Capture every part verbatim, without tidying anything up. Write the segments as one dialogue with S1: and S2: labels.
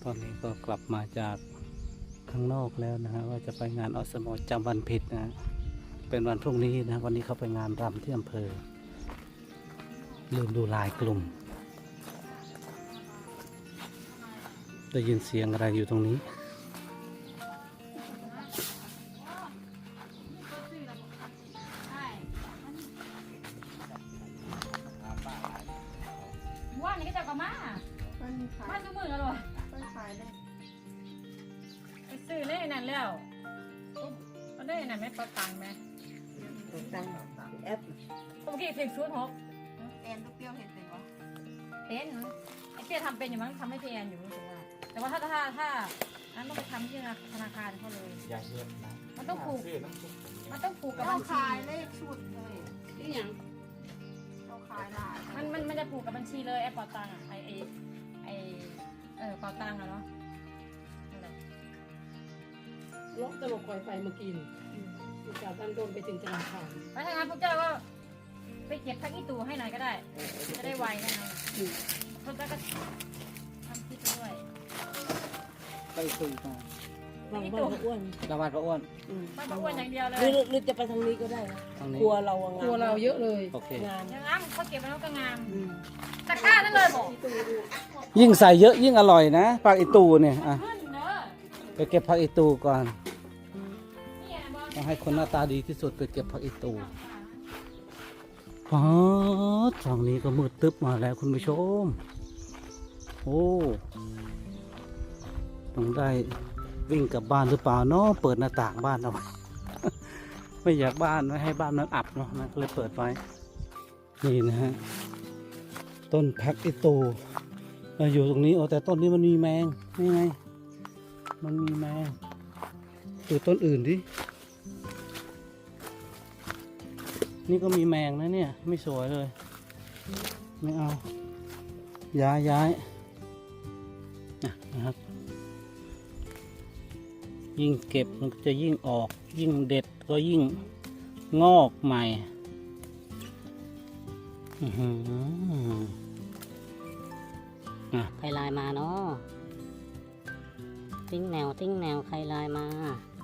S1: ตอนนี้ก็กลับมาจากข้างนอกแล้วนะฮะว่าจะไปงานอสมจำวันผิดนะ เป็นวันพรุ่งนี้นะวันนี้เขาไปงานรำที่อำเภอลืมดูลายกลุ่มได้ยินเสียงอะไรอยู่ตรงนี้
S2: ว่านนี่ก็จะกลับมามาซื้อมือแล้วหรอไปซื้อเล่นั่นแล้วก็ได้นั่นไหมประตังไหม
S3: ตังแอป
S2: เมื่อกี้เพียงศูนย์หก
S3: แอนลูกเปรี้ยวเห็นเป็นวะ
S2: เป็นไอ้เพียทำเป็นอยู่มั้งทำให้เพียนอยู่รู้สึกว่าแต่ว่าถ้าถ้าถ้าอันต้องไปทำที่ธนาคารเขาเลย
S4: อย่าเชื่อนะ
S2: มันต้องผูก
S4: ชื่อน้ำซุป
S2: มันต้องผูกกับ
S3: เรา
S2: บัญชี
S3: ขายเลขชุดเลยนี่ยังเราขายหลาย
S2: มันมันมันจะผูกกับบัญชีเลยไอ้เป๋าตังอ่ะไอ้ไอ้ไอ้เออเป๋าตังอะเนาะนั่นแหละ
S5: ล็อกตลกคอยไฟเมื่อกี้อุตส่าห์ตั้งต้นไปถึงธนาคาร
S2: ไปทางานพวกเจ้าก็ไปเก็บพักอีตูให้หน่อยก็ได้จะได้ไวนะนะพวกเจ้าก็ทำคิดด้วย
S1: ไปคุยมา
S5: บางบ้านอ้วน
S1: กระบาดพระอ้วน
S2: บ้านป้าอ้วนอย่างเดียวเลย
S5: หรือหรือจะไปทางนี้ก็ได้นะ
S1: ทางนี้
S5: ครัวเราครัวเราเยอะเลย
S1: โอเค
S5: งาม
S2: อย่างนั้นเขาเก็บไว้แล้วก็งามตะกร้านั่นเลยบอก
S1: ยิ่งใส่เยอะยิ่งอร่อยนะผักอีตูเนี่ยอ่ะ
S2: ขึ้นเนอะ
S1: ไปเก็บผักอีตูก่อน
S2: นี่บอล
S1: ต้องให้คนหน้าตาดีที่สุดไปเก็บผักอีตูอ๋อฝั่งนี้ก็มืดตึ๊บมาแล้วคุณผู้ชมโอ้ต้องได้วิ่งกลับบ้านหรือเปล่าเนาะเปิดหน้าต่างบ้านเอาไว้ ไม่อยากบ้านไม่ให้บ้านมันอับเนาะนะก็เลยเปิดไว้นี่นะฮะต้นพักอีตูเราอยู่ตรงนี้โอ้แต่ต้นนี้มันมีแมงนี่ไงมันมีแมงดูต้นอื่นดินี่ก็มีแมงนะเนี่ยไม่สวยเลยไม่เอาย้ายย้ายนะครับยิ่งเก็บมันก็จะยิ่งออกยิ่งเด็ดก็ยิ่งงอกใหม่อื้อหืออ่ะ
S6: ใครไลน์มาเนาะติ้งแนวติ้งแนวใครไลน์มา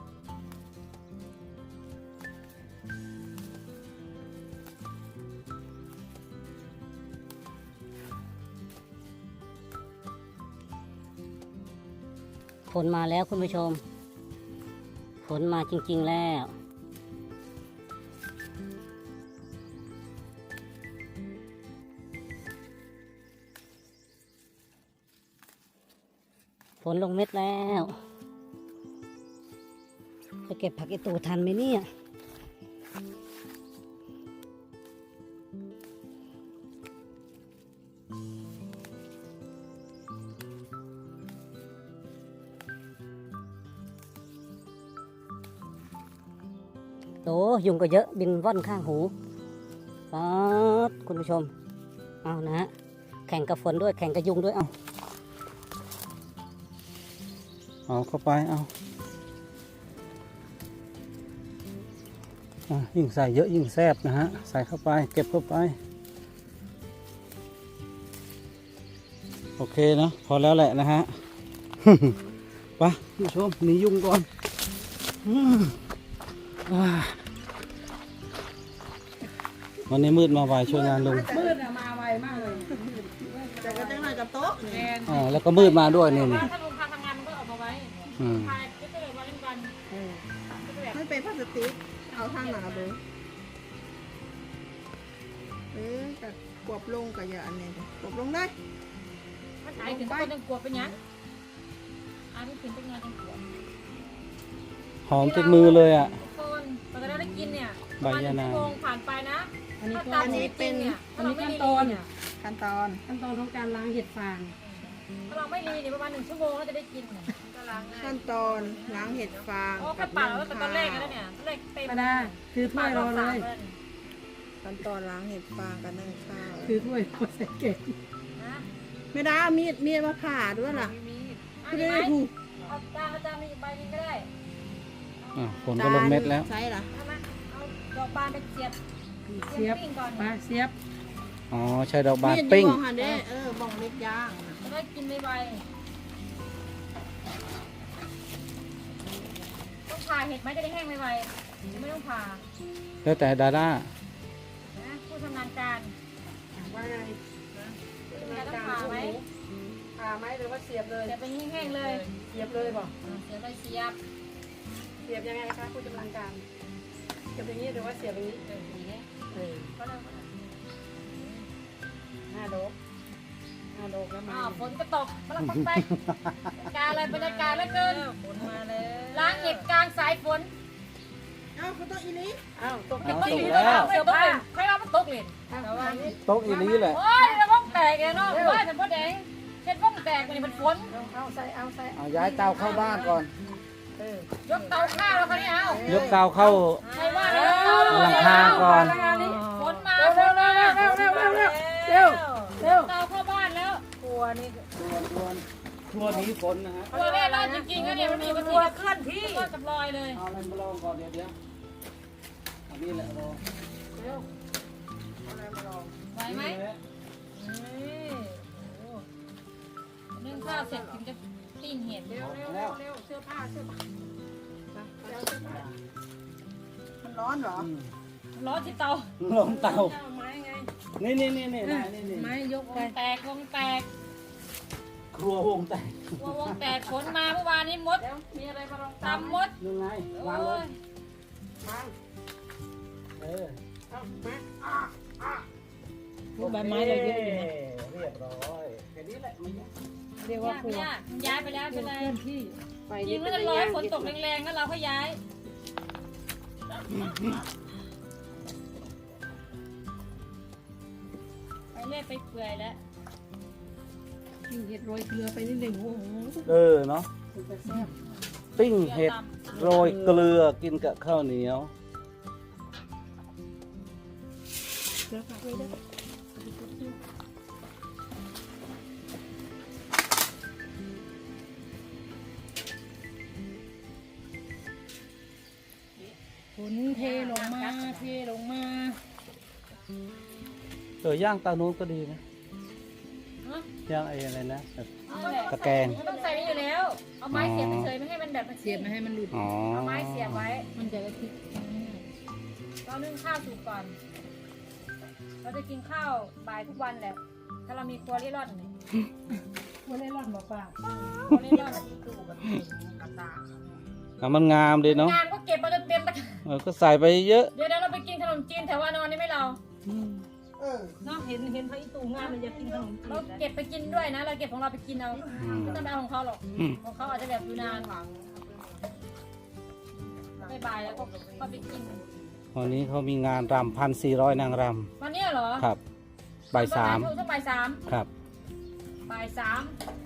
S6: ฝนมาแล้วคุณผู้ชมฝนมาจริงๆแล้วฝนลงเม็ดแล้วจะเก็บผักอีตูทันไหมเนี่ยโอ้ยุงก็เยอะบินว่อนข้างหูป๊าดคุณผู้ชมเอานะฮะแข่งกับฝนด้วยแข่งกับยุงด้วยเอา
S1: เอาเข้าไปเอาอ่ะยิ่งใส่เยอะยิ่งแซ่บนะฮะใส่เข้าไปเก็บเข้าไปโอเคนะพอแล้วแหละนะฮะ ไปผู้ชมหนียุงก่อนอืมอ่าวันนี้มืดมาไวช่วยงานลุง
S5: มืดอะมาไวมากเลย
S3: แต่ก็จังหน่อยกับโต๊ะ
S2: แอน
S1: อ่าแล้วก็มืดมาด้วยนี่
S2: ว่า
S1: นี่
S2: ถ้าลุงพาทำงานมันก็ออกมาไว้
S1: อืม
S2: พายก็จะเลยวันเล่นวันก็จะแบบ
S3: ไม่เป็นพลาสติกเอาทางหนาเลยเออกับกวบลงกับอย่าอันนี้กวบลงได้
S2: มันหายถึงคนยังกลัวเป็นยังอ่าไม่ถึงเป็นงานยังกลัว
S1: หอมติดมือเลยอ่ะ
S2: คนตอนเราได้กินเนี่ย
S1: ใบยะนาง
S2: ชั่วโมงผ่านไปนะ
S5: อันนี้
S2: ถ้า
S5: ก็
S2: ตามชีวิตจริงเนี่ย
S5: อั
S2: ถ้าน เรา
S5: นี้
S2: ไม่
S5: ขั้น
S2: รี
S5: ตอน
S2: เนี่ย
S3: ขั้นตอน
S5: ขั้นตอนของการล้างเห็ดฟาง
S2: ถ้าเราไม่รีเนี่ยประมาณหนึ่งชั่วโมงก็จะได้กินเนี่ยก็ล้างง่าย
S3: ขั้นตอนล้างเห็ดฟาง
S2: โอ้แค่ปาดแล้วแต่ตอนแรกแล้วเนี่ยตอนแรกเต็ม
S5: มาได้ถือถ้วยรอเลย
S3: ขั้นตอนล้างเห็ดฟางกับนึ่งข้าว
S5: ถือถ้วยรอใส่เก็บ
S2: นะ
S3: ไม่ได้มีดมีดมาผ่าด้วยล่ะ
S2: อัน
S3: คือ
S2: นี้
S3: ไม่
S2: ไหม
S3: ได้ถูก
S2: เอาจานอาจารย์มีอีกใบนึงก็ได้
S1: อ่ะฝนก็ลงเม็ดแล้ว
S3: ใช่เหรอ
S2: เอามาเอาดอกบานไปเสียบ
S5: เสียบ
S2: ปิ้งก่อน
S5: มาเสียบ
S1: อ๋อใช้ดอกบาน
S3: มีด
S1: ปิ้ง
S3: อยู่บ้องหันเด้เออบ้องเล็กย่าง
S2: จะได้กินไวผ่าเห็ดไหมจะได้แห้งไวๆไม่ต้องผ่า
S1: แล้วแต่ดาด้า
S2: นะผู้ชำนาญการ
S5: ว่าไง
S2: จะต้องผ่าไหม
S5: ผ่าไหมหรือว่าเสียบเลย
S2: เดี๋ยวไปแห้งๆเลย
S5: เสียบเลยบอก
S2: เสียบไปเสียบ
S5: เสียบยังไงคะผู้ชำนาญการเสียบอย่างนี้หรือว่าเสียบอย่างนี้
S2: เอออย่างนี้
S5: เออ
S2: ก็เลยก็เลย
S5: ห้าโดกห้าโดกแล้วมา
S2: อ้าวฝนก็ตกมาลังไปการอะไรบรรยากาศเหลือเกิน
S3: ฝนมาแล้ว
S2: ล้างเห็ดกลางสายฝน
S5: อ้าวตก
S1: เอาตก
S5: อี
S1: แล้ว
S2: เสือตกเลยใครว่ามันตกเลย
S5: แต่ว่านี่
S1: ตกอีนี้แหละ
S2: โอ้ยมันบ้องแตกเลยเนาะว่าแต่พ่อแดงเช็ดบ้องแตกมันนี่มันฝน
S5: เอาใส่เอาใส่
S1: เอาย้ายเตาเข้าบ้านก่อน
S5: เออย
S2: กเตาข้าวแล้วคันนี้เอา
S1: ยกเตาเข้า
S2: ใครว่าแล้ว
S1: หลังคาก่อน
S2: ฝนมา
S5: เร็ว
S2: ฝ
S5: เร็วน เร็
S2: มาว
S5: เร็วเร็วเร็วเร็วเร็วเร็ว
S2: เตาเข้าบ้านแล้ว
S3: ครัวนี่
S1: ครัวหนีฝนนะฮะ
S2: ตัวแรกรอดจริงๆนะเนี่ยมันมีบาง
S3: ค
S2: ที
S3: รัวเคลื่อนที่
S2: ก็กับรอยเลย
S1: เอาอะไรมาลองก่อนเดี๋ยวเดี๋ยวอันนี้แหละลอง
S5: เร็วเอาอะไรมาลอง
S2: ไหวไหม
S1: นี่แหละ
S2: นึ่งข้าวเสร็จถึงจะปิ้งเห็ด
S5: เร็วเร็วเร็วเร็วเสื้อผ้าเสื้อผ้าเร็วเสื้อผ้ามันร้อนเหรอ
S1: อืม
S2: ร้อนที่เตา
S1: ลงเตา
S5: เอาไม้ไง
S1: นี่นี่นี่นี่นี่นี่นี่
S3: ไม้ยก
S2: ว
S3: ไป
S2: งแตกวงแตก
S1: ครัววงแตก
S2: วงวงแตกฝนมาเมื่อวานนี้มด
S5: เดี๋ยวมีอะไรมาลอง
S2: ตำมด
S1: ยังไง
S2: โอ้
S1: วางเลย
S2: ย
S5: วาง
S1: เออ
S5: เอามา
S3: ลูกใบไม้เราเยอะอยู่นะ
S1: เรียบร้อยแค่นี้แหละไม่ยาก
S3: เรียกว่าครัวย
S2: ากย้ายไปแล้ว
S3: เค
S2: เป็นไร
S3: ลื่อนที่
S5: ไฟ
S2: ยิงก็จะรอให้ฝนตกแรงๆแล้วเราค่อยย้ายไปเรื่อยไปเปื่อยแล้ว
S3: กินเห็ดโรยเกลือไปนิดหนึ่งโอ้โห
S1: เออเนาะปิ้งเห็ดโรยเกลือกินกับข้าวเหนียว
S3: เกลือฝากไว้ด้วยฝนเทลงมาเทลงมา
S1: เออย่างเตานู้นก็ดีนะ
S2: ฮะ
S1: ย่างไอ้อะไรนะแบบ
S2: นั่นแหละ
S1: ตะแกรง
S2: มันต้องใส่นี่อยู่แล้ว เอาไม้เสียบไปเฉยไม่ให้มันแบบมัน
S3: เสียบไม่ให้มันหลุด
S1: อ๋อ
S2: เอาไม้เสียบไว้
S3: มันจะกระทิก
S2: เรานึ่งข้าวสุกก่อน เราจะกินข้าวบ่ายทุกวันแหละ ถ้าเรามีครัวเร่ร่อนเนี่ย
S3: วันนี้ร่อนบอกป่า
S2: ครัวเร่ร่อน
S1: อ่ะมันงามดีเนาะ
S2: งานก็เก็บมาจนเต็มตะกร้า
S1: เออก็ใส่ไปเยอะ
S2: เดี๋ยวเราไปกินขนมจีนแถววานอนนี่ไหมเรา
S5: เออ
S3: เนาะเห็นเห็นพระอีตูงามเลยอยากกินขนมจี
S2: เรา
S3: น
S2: เก็บไปกินด้วยนะ เราเก็บของเราไปกินเอา
S1: อืม
S2: ไม่ต้องไปเอาของเขาหรอก
S1: อืม
S2: ของเขาอาจจะแบบอยู่นานไม่บ่ายแล้วก็ก็ไปกิน
S1: วันนี้เขามีงานรำพันสี่ร้อยนางร
S2: วันนี้เหรอ
S1: ำครับบ่ายสาม
S2: ช่วงบ่ายสาม
S1: ครับ
S2: บ่ายสาม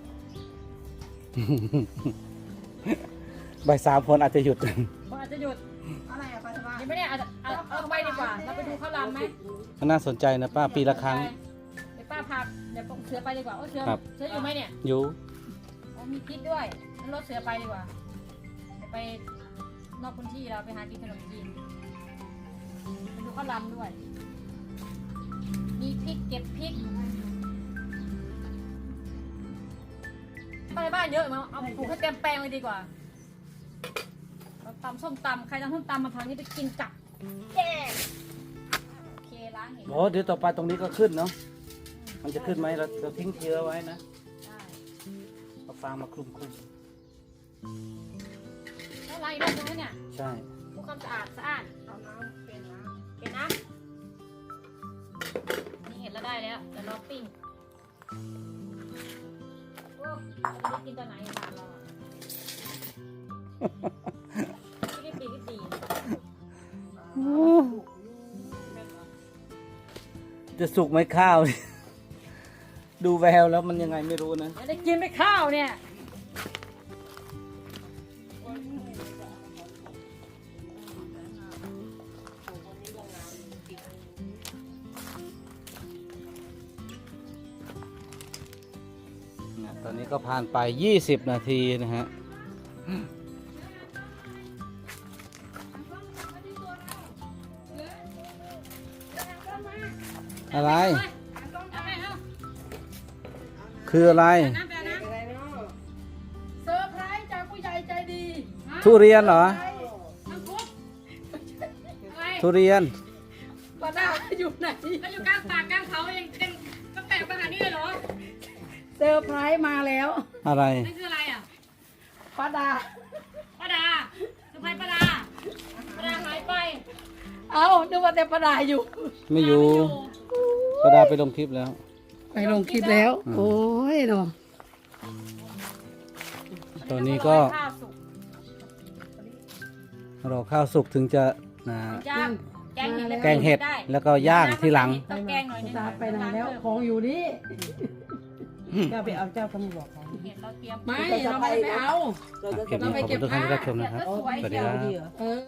S1: บ่ายสามคนอาจจะหยุด
S2: ก็อาจจะหยุด
S5: อะไรอะไปสบาย
S2: ยังไม่ได้เอาเอาเอาไปดีกว่า เราไปดูเขาลำไหม
S1: น่าสนใจนะป้าปีละครั้ง
S2: เดี๋ยวป้าพาเดี๋ยวเสือไปดีกว่าโอ้เสือ
S1: ครับ
S2: เสืออยู่ไหมเนี่ย
S1: อยู่
S2: อ๋อมีพิษด้วยงั้นรถเสือไปดีกว่าเดี๋ยวไปนอกพื้นที่เราไปหากินขนมจีนไปดูเขาลำด้วย มีพริกเก็บพริกไปบ้านเยอะมั้งเอาปลูกให้เต็มแปลงเลยดีกว่าเราตำส้มตำใครทำส้มตำมาทางนี้ไปกินกับแย่โอเคล้างเห็น
S1: โอ้เดี๋ยวต่อไปตรงนี้ก็ขึ้นเนาะมันจะขึ้นไหมเราเราทิ้งเชื้อไว้นะ
S2: ได้
S1: เอาฟางมาคลุมคลุม
S2: แล้วล้างอีกรอบนึงไหมเนี่ย
S1: ใช่
S2: ดูความสะอาดสะอาด
S5: เอาน้ำเป็นน้
S2: เห็นนะนี่เห็นแล้วได้แล้วเดี๋ยวเราปิ้งโอ้เราจะกินตอนไหนถามเราอ่ะไม่ได้ปีก็ตี
S1: จะสุกไหมข้าว ดูแววแล้วมันยังไงไม่รู้นะ
S2: จะได้กินไปข้าวเนี่ย
S1: นะตอนนี้ก็ผ่านไปยี่สิบนาทีนะฮะ อะไร
S2: เอาไปเอา
S1: คืออะไร
S2: น้ำไปเอาน้
S5: ำอะไรเนาะ
S2: ำเซอร์ไพรส์จากผู้ใหญ่ใจดี
S1: ทุเรียนเหรอ
S2: เ
S1: ทุเรียน
S5: ป้าดาอยู่ไหน
S2: แล้วอยู่กลางป่ากลางเขายังยังก็แปลกมาหานี่เลยเหรอ
S5: เซอร์ไพรส์มาแล้ว
S1: อะไร
S2: นั่นคืออะไรอ่ะ
S5: ป้าดา
S2: ป้าดาสุภัยป้าดาป้าดาหายไป
S5: เอ้านึกว่าแต่ป้าดาอยู่
S1: ไม่อยู่กระดาไปลงคลิปแล้ว
S5: ไปลงคลิปแล้ว
S1: อืม
S5: โอ้ยเนาะ
S1: ตอนนี้ก็
S2: ข้าวสุก
S1: รอข้าวสุกถึงจะนะ
S2: ย่างแกงเห็ด
S1: แกงเห็ด
S2: ได้
S1: แล้วก็ย่างทีหลัง
S2: ต้องแกงหน่อยนึง
S5: ตาไปไหนแล้วของอยู่นี่
S3: เจ้าไปเอาเจ้าตำรวจของ
S2: เห็ดเราเตรียม
S5: ไม่เราไม่ได้ไปเอา
S3: เราจะ
S1: คลิป
S5: เรา
S1: นี้
S5: ไป
S1: ขอบ
S5: เก็
S1: คุณ
S5: บ
S1: ทุกท่านที่
S5: ผ้า
S1: รับชมนะครับ
S2: เห็ดก็สวย
S1: สวัสดี
S2: เชียว
S1: ครับ
S3: ดีเหรอ
S5: เออ